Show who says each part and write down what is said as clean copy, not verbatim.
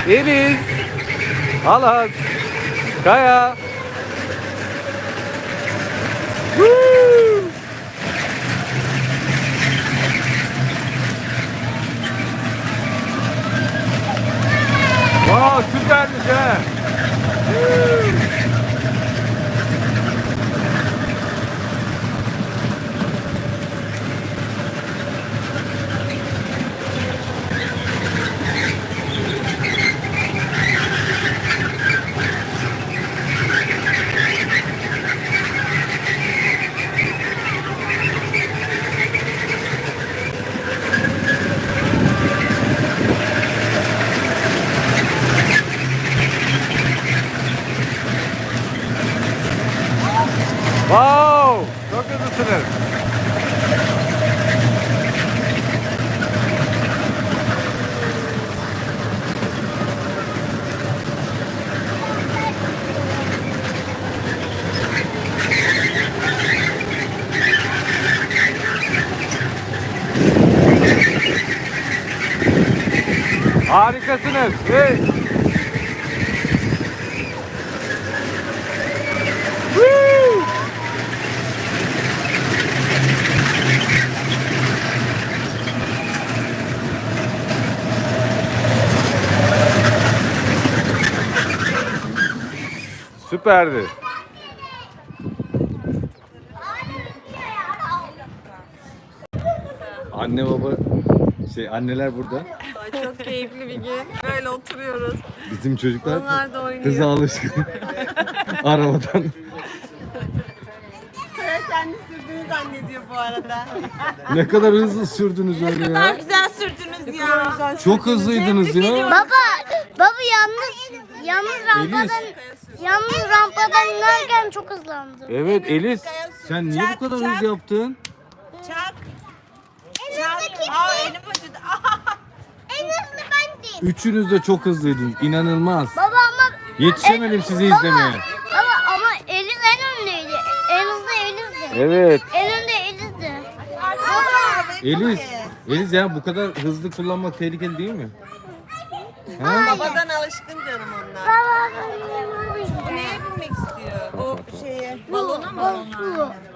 Speaker 1: Elis, Alan, Kaya. Woo! Wow, süpermiş ha. Woo! Wow, çok hızlısınız. Harikasınız. Hey. Woo! Süperdi. Anne baba anneler burada.
Speaker 2: Ay, çok keyifli bir gün. Böyle oturuyoruz.
Speaker 1: Bizim çocuklar
Speaker 2: Onlar da oynuyor.
Speaker 1: hıza alışkın. Arabadan.
Speaker 2: Sen de sürdüğünü zannediyor bu arada.
Speaker 1: Ne kadar hızlı sürdünüz öyle ya.
Speaker 2: Güzel sürdünüz ya.
Speaker 1: Çok hızlıydınız ya.
Speaker 3: Baba yalnız rampadan inerken çok hızlandı.
Speaker 1: Evet Elis, sen niye bu kadar hız yaptın?
Speaker 2: Çak. Aa, elim acıdı.
Speaker 3: En hızlı bendim.
Speaker 1: Üçünüz de çok hızlıydınız. İnanılmaz.
Speaker 3: Baba ama
Speaker 1: Yetişemedim sizi izlemeye.
Speaker 3: ama Eliz en öndeydi. En hızlı Eliz'di.
Speaker 1: Evet.
Speaker 3: En önde Eliz'di.
Speaker 1: Elis ya bu kadar hızlı kullanmak tehlikeli değil mi? Ha?
Speaker 2: Babadan alışkın canım onlar. Bu neye binmek istiyor? O şeye. Balona mı?
Speaker 3: Su.